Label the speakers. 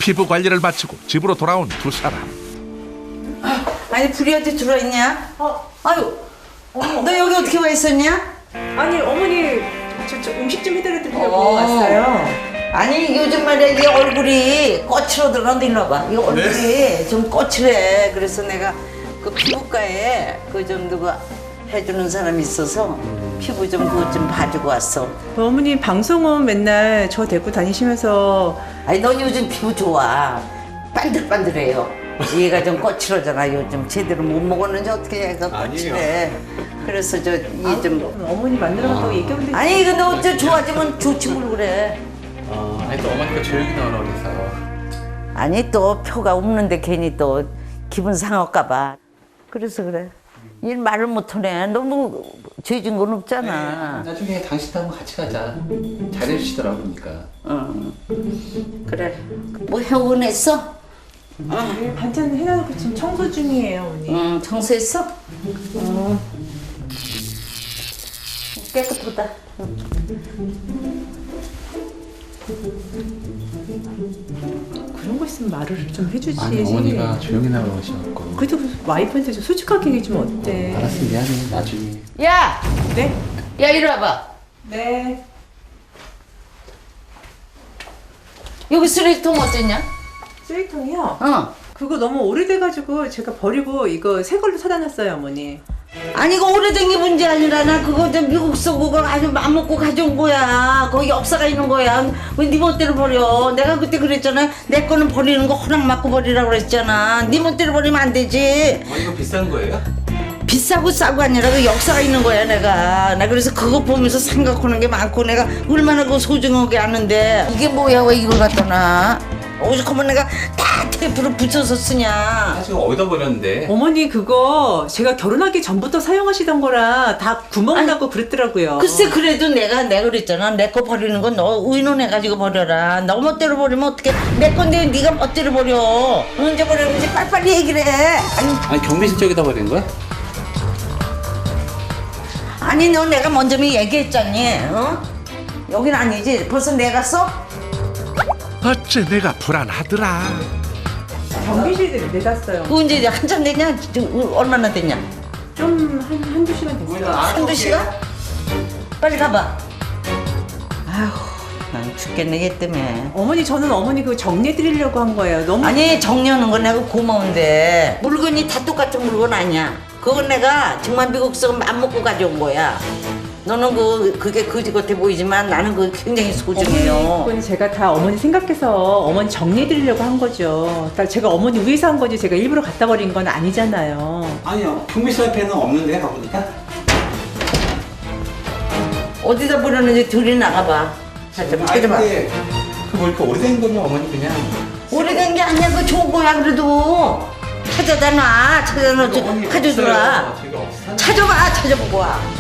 Speaker 1: 피부 관리를 마치고 집으로 돌아온 두 사람.
Speaker 2: 아니 불이 어디 들어있냐? 아유 너 여기 어떻게 와 있었냐?
Speaker 3: 아니 어머니 저 음식 좀 해드려 드리려고 왔어요.
Speaker 2: 아니 요즘 말이야 이 얼굴이 거칠어들어. 일로 와봐. 이 얼굴이 좀 거칠해. 그래서 내가 그 피부과에 그 좀 누가 해주는 사람이 있어서 피부 좀 그것 좀 봐주고 왔어.
Speaker 3: 어머니 방송은 맨날 저 데리고 다니시면서
Speaker 2: 아니 넌 요즘 피부 좋아. 반들반들해요. 얘가 좀 거칠어잖아. 요즘 제대로 못 먹었는지 어떻게 얘가 거칠해. 그래서 저 이 좀
Speaker 3: 어머니 만나러 간다고 얘기하면 되지.
Speaker 2: 아니 근데 어째 좋아지면 좋지 뭘 그래.
Speaker 4: 아니 또 어머니가 조용히 나오라고 그래서.
Speaker 2: 아니 또 표가 없는데 괜히 또 기분 상할까 봐. 그래서 그래. 일 말을 못하네. 너무 죄진 건 없잖아.
Speaker 4: 나중에 당신도 한번 같이 가자. 잘해주시더라고 보니까.
Speaker 2: 그래. 뭐 해오곤했어?
Speaker 3: 네, 반찬 해놔놓고 지금 청소 중이에요 어머니.
Speaker 2: 청소했어? 깨끗하다.
Speaker 3: 그런 거 있으면 말을 좀 해주지.
Speaker 4: 아니 어머니가 조용히 나오라고 하셔갖고.
Speaker 3: 그래도 와이프한테 좀 솔직하게 얘기해주면 어때?
Speaker 4: 알았어 미안해 나중에.
Speaker 2: 야!
Speaker 3: 네?
Speaker 2: 야 이리 와봐.
Speaker 3: 네.
Speaker 2: 여기 쓰레기통 어땠냐?
Speaker 3: 쓰레기통이요?
Speaker 2: 그거
Speaker 3: 그거 너무 오래돼가지고 제가 버리고 이거 새 걸로 사다 놨어요 어머니.
Speaker 2: 아니 이거 오래된 게 문제 아니라 나 그거 저 미국서 그거 아주 맘먹고 가져온 거야. 거기 역사가 있는 거야. 왜 네 멋대로 버려? 내가 그때 그랬잖아. 내 거는 버리는 거 허락 받고 버리라고 그랬잖아. 네 멋대로 버리면 안 되지.
Speaker 4: 이거 비싼 거예요?
Speaker 2: 비싸고 싸고 아니라 그 역사가 있는 거야 내가. 나 그래서 그거 보면서 생각하는 게 많고 내가 얼마나 그 소중하게 아는데 이게 뭐야 왜 이걸 갖다 놔? 오죽하면 내가 다 테이프로 붙여서 쓰냐.
Speaker 4: 사실 어디다 버렸는데?
Speaker 3: 어머니 그거 제가 결혼하기 전부터 사용하시던 거라 다 구멍 나고 그랬더라고요.
Speaker 2: 글쎄 그래도 내가 그랬잖아. 내 거 버리는 건 너 의논해가지고 버려라. 너 멋대로 버리면 어떡해. 내 건데 네가 멋대로 버려. 언제 버렸는지 빨리빨리 얘기를 해.
Speaker 4: 아니 경비실 쪽에다 버린 거야?
Speaker 2: 아니 너 내가 먼저 얘기했잖니. 여긴 아니지. 벌써 내가 써?
Speaker 1: 어째 내가 불안하더라.
Speaker 3: 경비실에 내놨어요.
Speaker 2: 그 언제 한참 됐냐? 얼마나 됐냐?
Speaker 3: 좀 한두 시간 됐어요.
Speaker 2: 한두 시간? 빨리 가봐. 아휴 난 죽겠네 얘 때문에.
Speaker 3: 어머니 저는 어머니 그 정리해 드리려고 한 거예요. 너무
Speaker 2: 아니 정리하는 건 내가 고마운데 물건이 다 똑같은 물건 아니야. 그건 내가 정말 미국서 맘 먹고 가져온 거야. 너는 그게 거지 같아 보이지만 나는 그게 굉장히 소중해요.
Speaker 3: 그건 제가 다 어머니 생각해서 어머니 정리해 드리려고 한 거죠. 다 제가 어머니 위해서 한 거지 제가 일부러 갖다 버린 건 아니잖아요.
Speaker 4: 아니요 경비실 앞에는 없는데 가보니까.
Speaker 2: 어디다 버렸는지 들이 나가봐. 찾아봐.
Speaker 4: 그뭐 이렇게 오래된 거면 어머니 그냥.
Speaker 2: 오래된 게 아니야. 그거 좋은 거야 그래도. 찾아다 놔. 가져줘라.
Speaker 4: 제가 없어요.
Speaker 2: 찾아봐. 찾아보고 와.